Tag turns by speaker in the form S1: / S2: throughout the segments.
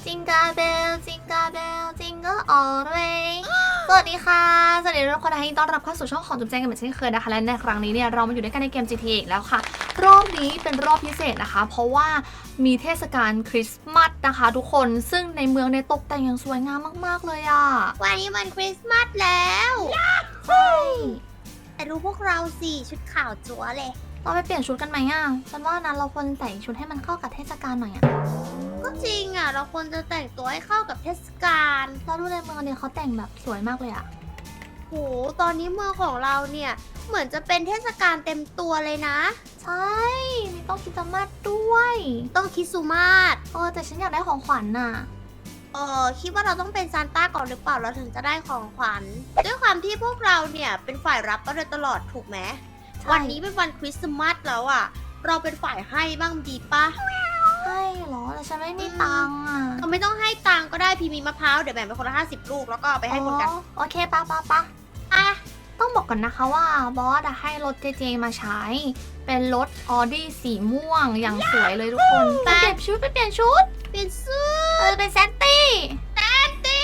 S1: จิงกาเบลจิงกาเบลจิงก็ออเรย์สวัสดีค่ะสวัสดีทุกคนที่ต้อนรับเข้าสู่ช่องของจุ๊บแจงกันเหมือนเช่นเคยนะคะและในครั้งนี้เนี่ยเรามาอยู่ด้วยกันในเกม GTA อีกแล้วค่ะรอบนี้เป็นรอบพิเศษนะคะเพราะว่ามีเทศกาลคริสต์มาสนะคะทุกคนซึ่งในเมืองในตกแต่งอย่างสวยงามมากๆเลยอ่ะ
S2: วันนี้วันคริสต์มาสแล้ว
S1: ใช่
S2: แต่ดูพวกเราสิชุดขาวจั๊วเลย
S1: เราไปเปลี่ยนชุดกันไหมอ่ะฉันว่านะเราควรใส่ชุดให้มันเข้ากับเทศกาลหน่อยอ่ะ
S2: ก็จริงอ่ะ เราควรจะแต่งตัวให้เข้ากับเทศกาล
S1: เราดูในเมืองเนี่ยเขาแต่งแบบสวยมากเลยอ่ะ
S2: โหตอนนี้เมืองของเราเนี่ย เหมือนจะเป็นเทศกาลเต็มตัวเลยนะ
S1: ใช่มีต้องคริสต์มาสด้วย
S2: ต้องคริสต์มาส
S1: แต่ฉันอยากได้ของขวัญน่ะ
S2: คิดว่าเราต้องเป็นซานต้าก่อนหรือเปล่าเราถึงจะได้ของขวัญ ด้วยความที่พวกเราเนี่ยเป็นฝ่ายรับมาโดยตลอดถูกไหม
S1: ใช่
S2: วันนี้เป็นวันคริสต์มาสแล้วอ่ะ เราเป็นฝ่ายให้บ้างดีปะ
S1: ใช่เหรอแต่ฉันไม่มีตังค์อ่ะ
S2: เราไม่ต้องให้ตังค์ก็ได้พี่มีมะพร้าวเดี๋ยวแบ่งไปคนละ50 ลูกแล้วก็เอาไปให้คนกัน
S1: โอเคปะ
S2: อ่ะ
S1: ต้องบอกก่อนนะคะว่าบอสอะให้รถเจเจมาใช้ เป็นรถออดี้สีม่วงอย่างสวยเลยทุกคนไปเปลี่ยนชุด
S2: เปลี่ยนเสื้อ
S1: เป็นแซนตี้
S2: ตี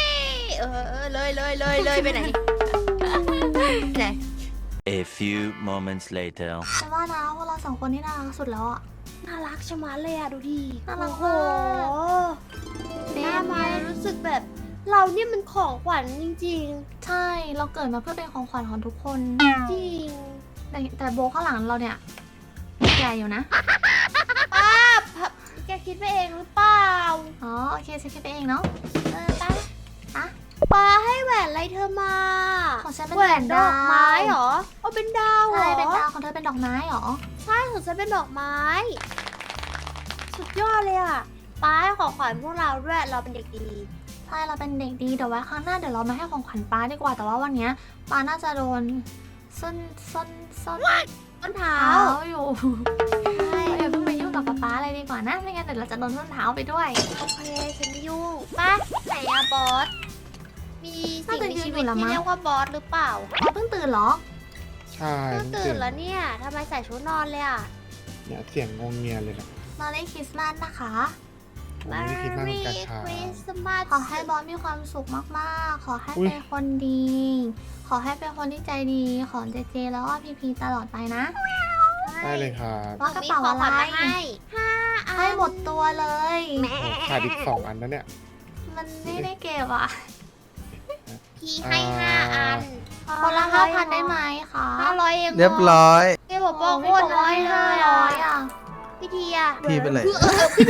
S2: เลยไปไหนไหน
S3: A few moments later.
S1: ฉันว่านะพวกเราสองคนนี่น่ารักสุดแล้วอ่ะ
S2: น่ารักชะมัดเลยอ่ะดูดิ
S1: น่ารัก
S2: โอ้โห
S1: มาก
S2: หน้ามาแล้วรู้สึกแบบ เราเนี่ยมันของขวัญจริง
S1: ใช่เราเกิดมาเพื่อเป็นของขวัญของทุกคน
S2: ๆ จริง
S1: แต่โบข้างหลังเราเนี่ยใหญ่อยู่นะ
S2: ป้าแกคิดไปเองหรือเปล่า
S1: อ๋อโอเคฉันคิดไปเองเนาะ
S2: ป้าป้าให้แหวนอะไรเธอมา
S1: ของฉันเป็น
S2: แหวนด
S1: ดาว
S2: อกไม้เหรอเอาเป็นดาวเหร
S1: ใช่
S2: อ
S1: เป็นดาวของเธอเป็นดอกไม้เหรอ
S2: ใช่ของฉันเป็นดอกไม้ สุดยอดเลยอ่ะป้าให้ของขวัญพวกเราด้วยเราเป็นเด็กดี
S1: ใช่เราเป็นเด็กดีเดี๋ยวไว้ครั้งหน้าเดี๋ยวเรามาให้ของขวัญป้าดีกว่าแต่ว่าวันเนี้ยป้าน่าจะโดนส้น
S2: ต้นเท้า
S1: เท้าอยู่
S2: ใช่
S1: เราอย่าเพิ่งไปยุ่งกับป้าเลยดีกว่านะไม่งั้นเดี๋ยวเราจะโดนส้นเท้าไปด้วย
S2: โอเคฉันไม่ยุ่งป้าไหนอะบอส มีสิ่งมีชีวิตที่เรียกว่าบอสหรือเปล่า
S1: ป้าเพิ่งตื่นเหรอ
S4: ใช่
S2: เพิ่งตื่นแล้วเนี่ยทำไมใส่ชุดนอนเลยอ่ะ
S4: เนี่ยเสียงงงเงียเลยนะ
S1: มาเล่นคริสต์มาสนะคะ
S4: ผมไม่ได้คิดมากเหมือนกันค่ะ
S2: คริสต์มาส
S1: ขอให้บอสมีความสุขมากๆ ขอให้
S4: อุ๊ย
S1: เป็นคนดี ขอให้เป็นคนที่ใจดีของเจเจแล้วก็พีตลอดไปนะ
S4: ได้เลยครับ
S1: ว่ากระเป๋าอะไร
S2: ให้5 อัน
S1: ให้หมดตัวเลย
S2: แม่
S4: โอ้ขาดอีก2 อันนะเนี่ย
S1: มันไม่ได้เก็บอ่ะ
S2: พี่ให้5 อัน
S1: คนละ5,000ได้ไหมคะ
S2: 500เองห
S5: เรียบร้อย
S2: แกบอกบอกโคตรน้อยเลย
S1: ร้
S2: อ่ะ
S1: อยอ่ะ
S2: พี่ทีอะ
S5: พี่เป็นไร
S2: พี่ที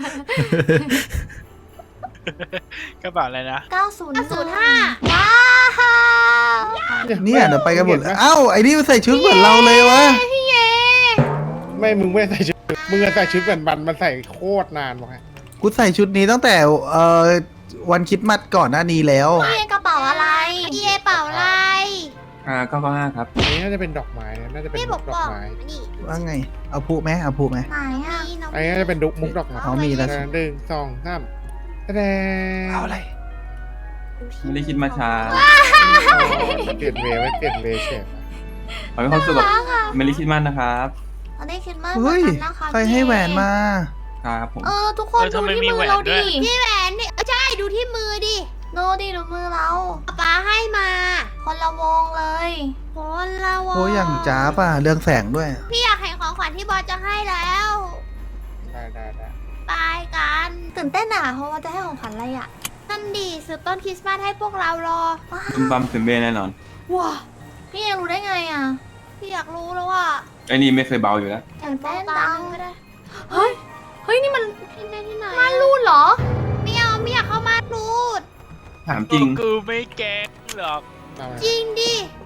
S6: กระเป๋าอะไรนะ
S1: 905 ว้าว
S5: เนี่ยเดี๋ยวไปกันหมดเลยเอ้าไอ้นี่มันใส่ชุดเหมือนเราเลยวะ
S1: พี่เอ
S4: ไม่มึงไม่ได้ใส่ชุดมึงอะใส่ชุดแบบมันใส่โคตรนานบอกให้
S5: กูใส่ชุดนี้ตั้งแต่วันคริดมัดก่อนหน้านี้แล้ว
S1: พี่เอกระเป๋าอะไร
S2: พี่เอเป่าอะไร
S7: 995ครับ
S4: อันนี้น่าจะเป็นดอกไม้นะน่าจะเป็น
S2: พี่
S4: มุ
S2: บอก
S4: กด
S2: บ
S4: อ
S2: อก ก
S4: ไม้
S2: นี่
S5: ว่าไง เอาผูไหมเอาผูไหม
S1: ไหนอ่ะ
S2: นี่น้อง
S4: อันนี้น่าจะเป็นมุกดอกไม้
S5: อ๋อมีแล้ว
S4: หนึ่งสองสามแสดง
S5: เอาอะไร
S7: ไม่ได้คิดมาช้า
S4: เปลี่ยนเวย์ไว้เปลี่ยนเวย์เฉย
S7: ขอให้ความสุขกับไม่ได้คิดมากนะครับ
S1: ตอนนี้คิดมาก
S5: เฮ้ย
S1: เหมือนกันนะคะ
S5: ใครให้แหวนมา
S7: ครับผม
S1: ทุกคนดูที่มือเราดิ
S2: พี่แหวนนี่ใช่ดูที่มือดิ
S1: ดูมือเรา
S2: ป๊าให้มา
S1: คนละวงเลย
S2: คนละวง
S5: โอ้ยอย่างจ้าป่ะ เรื่องแสงด้วย
S2: พี่อยากเห็นของขวัญที่บอสจะให้แล้ว
S4: ได้
S2: ไปกัน
S1: ตื่นเต้นอ่ะเพราะว่าจะให้ของขวัญอะไรอ่ะ
S2: นั่นดีซื้อต้นคริสต์มาสให้พวกเรารอ
S7: คุณบัมถึงเบแน่นอน
S2: ว้า
S1: พี่เอกรู้ได้ไงอ่ะ
S2: พี่อยากรู้แล้วว่า
S7: ไอ้นี่ไม่เคยเบาอยู่แล้ว
S1: ตื่นเต้น
S2: ตา
S1: จัง
S2: ก็ได้
S1: เฮ้ยนี่มัน
S2: ที่ไหนที่ไหน
S1: ม่านรูดเหรอ
S2: ไม่เอาไม่อยากเข้ามารูด
S7: ถามจริง
S6: กูไม่แกล้งหรอก
S4: เอามา
S2: จริงดิ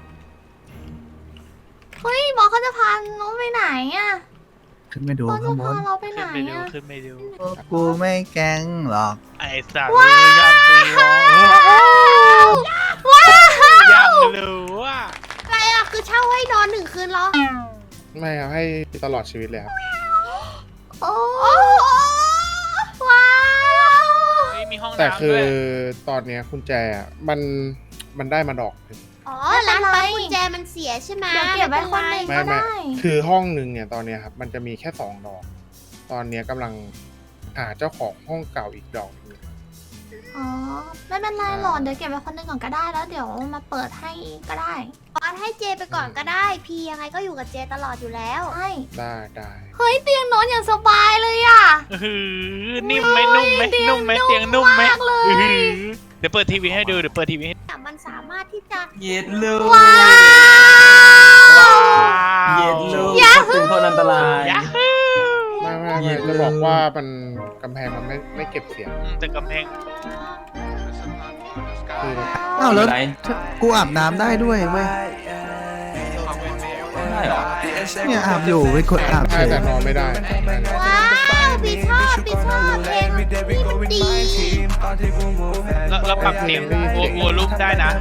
S1: เฮ้ยบอสเขาจะพาน้องไปไหนอ่ะ
S5: ขึ้นไปดู
S1: บอสจะ
S5: ข้างบ
S1: พาน เราไปไหน
S6: ขึ้นไปดู
S1: อ่ะ
S6: ขึ้นไปดู
S5: กูไม่แกล้งหรอก
S6: ไอ้สัตว์เลยยังรู้ว่า
S2: อะไรอะคือเช่าให้นอน1 คืนเหรอ
S4: ไม่ครับให้ตลอดชีวิตเลยครับ
S1: โอ้
S2: โอ้โห
S1: ว้าว
S6: ไม่มีห้อง
S4: แต่
S6: น้ำ
S4: คื
S6: ด้
S4: อ
S6: วย
S4: ตอนเนี้ยคุณแจอะมันได้มาดอกหนึ่ง
S2: อ๋อร้านปั๊มกุญแจมันเสียใช่ไหม
S1: เดี๋ยวเก็บไว้คนหนึ่ง
S4: ไม่
S1: ก็
S4: ไม่
S1: ได้
S4: คือห้องหนึ่งเนี่ยตอนเนี้ยครับมันจะมีแค่2 ดอก ตอนเนี้ยกำลังหาเจ้าของห้องเก่าอีกดอกหนึง
S1: อ๋อไม่เป็นไรหรอกเดี๋ยวเก็บไว้คนหนึงก่อนก็ได้แล้วเดี๋ยวมาเปิดให้ก็ได้
S2: ออนให้เจไปก่อนก็ได้ พี่ยังไงก็อยู่กับเจตลอดอยู่แล้ว
S1: ใช่
S4: ได้
S1: เฮ้ยเตียงนอนอย่างสบายเลยอ่ะ
S6: นิ่มไหมนุ่มไหมนุ่มไหมเตียงนุ่มไหม
S1: มากเลย
S6: เดี๋ยวเปิดทีวีให้ดูเดี๋ยวเปิดทีวีให้
S2: แต่มันสามารถที่จะ
S7: เย็ดลู
S1: ว้าว
S7: เย็ดลู
S1: ยา
S7: ตึงคนอันตราย
S6: ยาฮู
S4: ไม่จะบอกว่ามันกำแพงมันไม่เก็บเสียง
S6: แต่กำแพง
S4: คือ
S5: อ้าวแล้ว
S7: อะไร
S5: กูอาบน้ำได้ด้วยเว้ย
S7: ได้เหรอ
S5: เนี่ยอาบอยู่ไปกดอาบเฉ
S4: ใช่
S5: ย
S4: แต่นอนไม่ได้
S2: ว้าวพี่ชอบเพลงนี่มันดี
S6: แล้วปรับเสียงวัวลูกได้นะ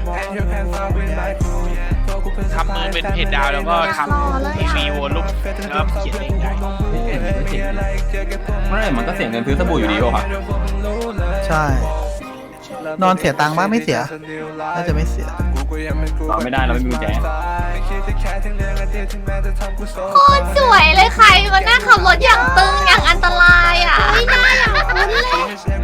S6: ทำมือเป็นเพจดาวแล้วก็ทำทีวีวัวลูกแล้วเขียนเองได้
S7: ไม่มันก็เสียงเงินซื้อสบู่อยู่ดีโอ้ค่ะ
S5: ใช่ นอนเสียตังค์บ้างไม่เสีย น่าจะไม่เสีย
S7: ตอบไม่ได้เราไม่มีกุญแจ
S1: โคตรสวยเลยใครมานั่งขับรถอย่างตึงอย่างอันตรายอ่ะไม่น่าอย่างคุ้นเลย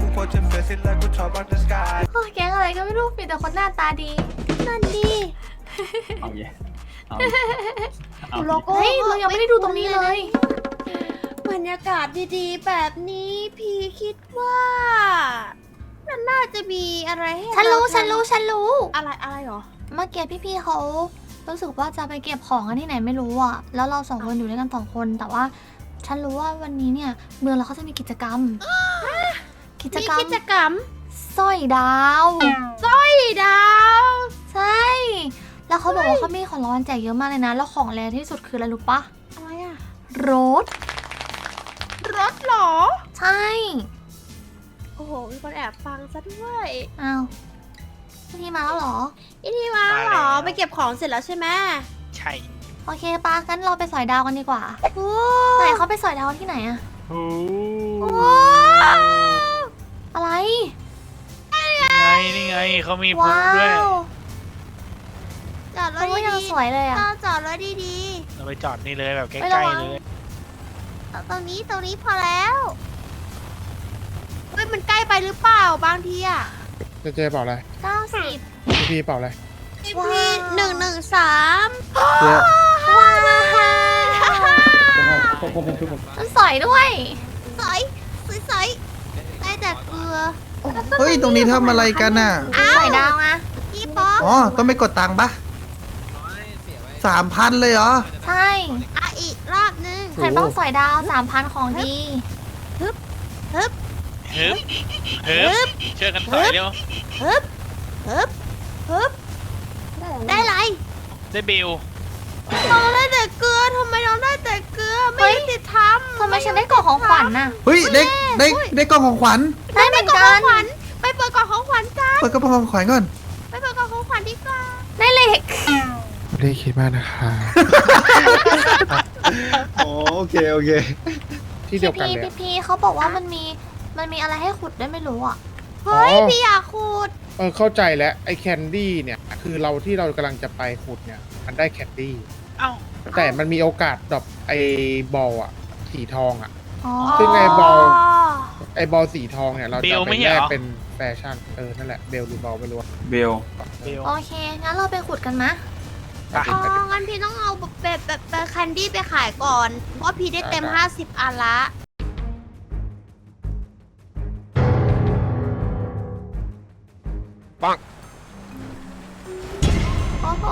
S1: โอ้ยแก๊งอะไรก็ไม่รู้มีแต่คนหน้าตาดี
S2: นั่นดี
S7: เอาเย่เอาเอา
S2: โลโก้
S1: เฮ้ยเรายังไม่ได้ดูตรงนี้เลย
S2: บรรยากาศดีๆ แบบนี้พี่คิดว่ามันน่าจะมีอะไรให้
S1: ฉันรู้
S2: เรา
S1: ฉันรู้ฉันรู้
S2: อะไรหรอ
S1: เมื่อกี้พี่ๆเขารู้สึกว่าจะไปเก็บของกันที่ไหนไม่รู้อ่ะ แล้วเราสองคนอยู่ด้วยกันสองคน แต่ว่าฉันรู้ว่าวันนี้เนี่ยเมืองเราเขาจะมีกิจกรรม กิจ
S2: มี
S1: กรรม
S2: กิจกรรม
S1: สร้อยดาว
S2: พี่ดาว
S1: ใช่ แล้วเขาบอกว่าเขามีของรางวัลแจกเยอะมากเลยนะ แล้วของแรที่สุดคืออะไรรู้ปะ
S2: อะไรอะ
S1: รถ
S2: รถเหรอ
S1: ใช่
S2: โอ้โห มีคนแอบฟังซะด้วย
S1: อ้าวพี่มาแล้วเหรอ
S2: อีที่มาเหรอ ไปเก็บของเสร็จแล้วใช่ไหม
S6: ใช่
S1: โอเคปะงั้นเราไปสอยดาวกันดีกว่า
S2: โอ้
S1: ไหนเขาไปสอยดาวที่ไหนอะ
S6: โอ้
S1: อะไร
S6: นี่ไงเขามีพุ
S1: ว้า
S6: ด้วย
S1: ว
S2: จอดร
S1: เขา
S2: ถ
S1: ก็ยัง
S2: ดี
S1: สวยเลย
S2: ๆ
S1: อะ
S2: เราจอดรถดี
S6: เราไปจอดนี่เลยแบบใก
S1: ไม่ระ
S6: ล้
S1: วัง
S6: ๆเลย
S2: ๆ ตรงนี้พอแล้วเฮ้ยมันใกล้ไปหรือเปล่าบางทีอะ
S4: เจ๊เปล่าอะไร
S1: 90
S4: พี่เปล่าอะไร
S1: ว้าว
S2: พี่113
S5: เดี๋ยว
S1: ว้าวมันสอยด้วย
S2: ใสได้แต่เกลือ
S5: เฮ้ย ตรงนี้ทำอะไรกันน่ะ
S1: สอยดาวอะ
S2: พี่ป๊อก
S5: อ๋อ ต้องไปกดตังค์ปะ3,000เลยเหรอ
S1: ใช่
S2: อ่ะอีกรอบนึง
S1: ใครต้องสอยดาว 3,000 ของดี
S6: ฮึบช่วยกันถอยเร็ว
S2: ฮึบได้ไร
S6: ได้บิล
S2: น้องได้แต่เกลือทำไมน้องได้แต่เกลือไม่ยุติธรรม
S1: ทำไมฉันได้กล่องของขวัญน่ะ
S5: เฮ้ย ได้กล่องของขวัญ
S1: ได้เหมือน
S2: กล่อง
S1: กั
S2: ขอน งขวัญไปเปิดกล่องของขวัญกัน
S5: เปิดกระเป๋าของขวัญก่อน
S2: ไปเปิดกล่องของขวัญดีกว่า
S1: ได้เหล็ก
S4: ไม่ได้คิดมากนะคะ
S5: โอเค
S4: ที่เดียวกันเลยอะ
S1: พี่เขาบอกว่ามันมีอะไรให้ขุดด้วยไม่รู้อ่ะ
S2: เฮ้ย
S4: อ๋อ
S2: พี่อยากขูด
S4: เข้าใจแล้วไอ้แคนดี้เนี่ย คือเราที่เรากำลังจะไปขุดเนี่ย มันได้แคนดี้
S6: เอ้า
S4: แต่มันมีโอกาสดรอปไอ้บอลอะสีทองอะ
S1: อ๋อ
S4: ซึ่งไอ้บอล ไอ้บอลสีทองเนี่ย เรา
S6: เบ
S4: จะ
S6: ล
S4: ไป
S6: ไม่
S4: แล
S6: ใช่
S4: ก
S6: เหรอ
S4: เป็นแฟชั่น นั่นแหละ เบลหรือบอลไม่รู้อะ
S7: เบล
S6: บิล
S1: โอเค งั้นเราไปขุดกันมะ
S6: ไป
S2: อ๋องั้นพี่ต้องเอาแบบแคนดี้ไปขายก่อน เพราะพี่ได้เต็ม 50 อันละ
S1: โอ้โห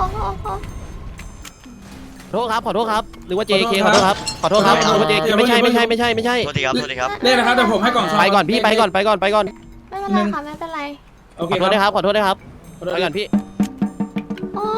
S8: ขอโทษครับขอโทษครับหรือว่า JK ขอโทษครับขอโทษครับหรือว่า JK ไม่ใช่
S9: โทษทีครับ
S10: นี่นะครับเดี๋ยวผมให้กล่องซอง
S8: ไปก่อนพี่ไปก่อน
S1: ไม่เป็นไรค่ะไม่เป็นไร
S10: โอเค
S8: ขอโทษ
S10: ค
S8: นะค
S10: รั
S8: รั
S10: บบ
S8: ขอโทษนะครับไปก่อนพี่
S1: โอ้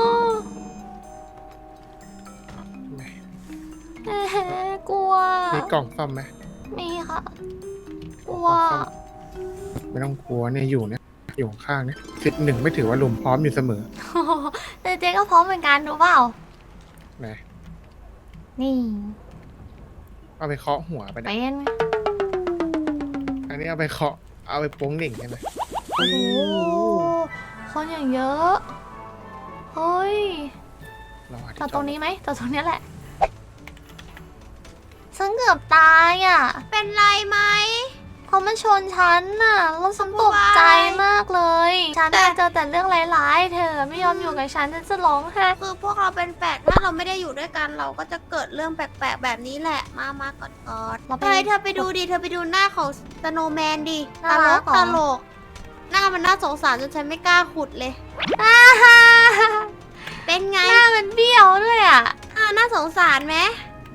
S1: เอ๊ะกลัว
S4: มีกล่องซ่อมไหม
S1: มีค่ะ กลัว
S4: กล่องซ่อมไม่ต้องกลัวเนี่ยอยู่ข้างๆเนี่ย11ไม่ถือว่าลุมพร้อมอยู่เสมอ
S1: โอ้โหแต่เจ๊ก็พร้อมเหมือนกันรู้เปล่า
S4: ไหน
S1: นี่
S4: เอาไปเคาะหัวไป
S1: เป็
S4: เนี่ย
S1: น
S4: อันนี้เอาไปเคาะ เอาไปโป้งหนิ่งใช่ไหม
S1: โอ้โหคนอย่างเยอะ เฮ้ย
S4: เราหาที่
S1: จอด
S4: จ
S1: ต
S4: อ
S1: ร
S4: ด
S1: งนี้ไหมจอดตรงนี้แหละ ฉันเกือบตายอ่ะ
S2: เป็นไรไหม
S1: คเขามาชนฉันน่ะแล้วฉันตกใจมากเลย ฉันน่ะเจอแต่เรื่องร้ายๆ เธอไม่ยอมอยู่กับฉันจะร้องไห้
S2: คือพวกเราเป็นแฝดถ้าเราไม่ได้อยู่ด้วยกันเราก็จะเกิดเรื่องแปลกๆแบบนี้แหละ มากอด
S1: เรา
S2: ๆ
S1: ไป
S2: เฮ้ยเธอไปดูดิ เธอไปดูหน้าของสโนว์แมนดิ ต
S1: น่า
S2: ล
S1: รั
S2: ก
S1: กเหรอ
S2: ตลก หน้ามันน่าสงสารจนฉันไม่กล้าขุดเลย
S1: อ่าฮ่า
S2: เป็นไง
S1: หน้ามันเบี้ยวด้วยอ่ะ
S2: น่าสงสารไหม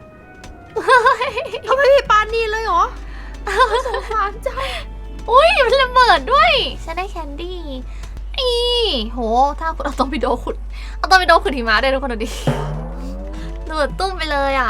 S2: เขาไม่มีปานนีเลยเหรอสงสารจัง
S1: อุ้ยมันระเบิดด้วยฉันได้แคนดี้อีโหถ้าคุณเอาตอร์ปิโดขุดเอาตอร์ปิโดขุดหิมะได้ทุกคนดูดิระเบิดตุ้มไปเลยอ่ะ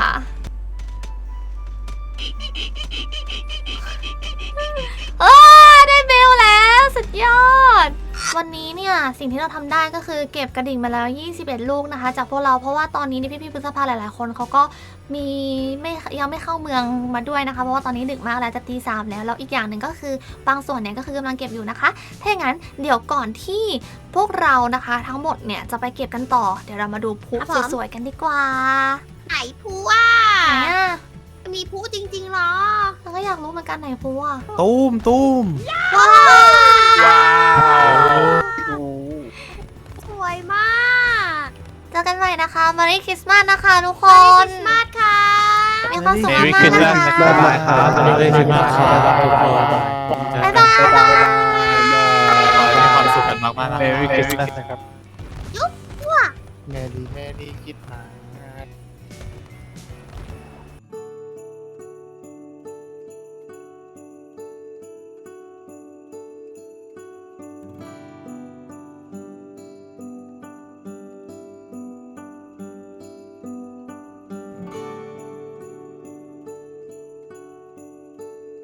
S1: ได้เบลแล้วสุดยอด วันนี้เนี่ยสิ่งที่เราทำได้ก็คือเก็บกระดิ่งมาแล้ว 21 ลูกนะคะ จากพวกเราเพราะว่าตอนนี้นี่พี่ๆพฤษภาหลายๆคนเขาก็ยังไม่เข้าเมืองมาด้วยนะคะเพราะว่าตอนนี้ดึกมากแล้วจะตี 3แล้วแล้วอีกอย่างหนึ่งก็คือบางส่วนเนี่ยก็คือกำลังเก็บอยู่นะคะถ้าอย่างนั้นเดี๋ยวก่อนที่พวกเรานะคะ ทั้งหมดเนี่ยจะไปเก็บกันต่อเดี๋ยวเรามาดูพลุสวยๆกันดีกว่า
S2: ไหนพูอ่ะ
S1: ไหนอ่ะ
S2: มีพูจริงๆเหรอ
S1: เราก็อยากรู้เหมือนกันไหนพลุอ่ะ
S5: ตุ้มตุ้ม
S2: ว้าว
S6: ว้าว
S2: สวยมาก
S1: เจอกันใหม่นะคะมารีคริสต์มาสนะคะทุกค
S2: คริ
S1: น
S2: สต์มาสค่ะ
S1: มีความสุข
S6: เม
S1: มาก
S6: รี่
S1: ๆ
S6: คริส
S1: นะ
S6: ต์มาส
S1: คะ
S6: บ๊ายบายครับ
S8: เรื่อยๆมากครับทุกคน
S1: บ๊ายบาย
S8: ขอให้มีความสุขกันมากๆนะ
S6: เมรี่คริสต์มาสนะครับ
S4: แม่ดีคิดมา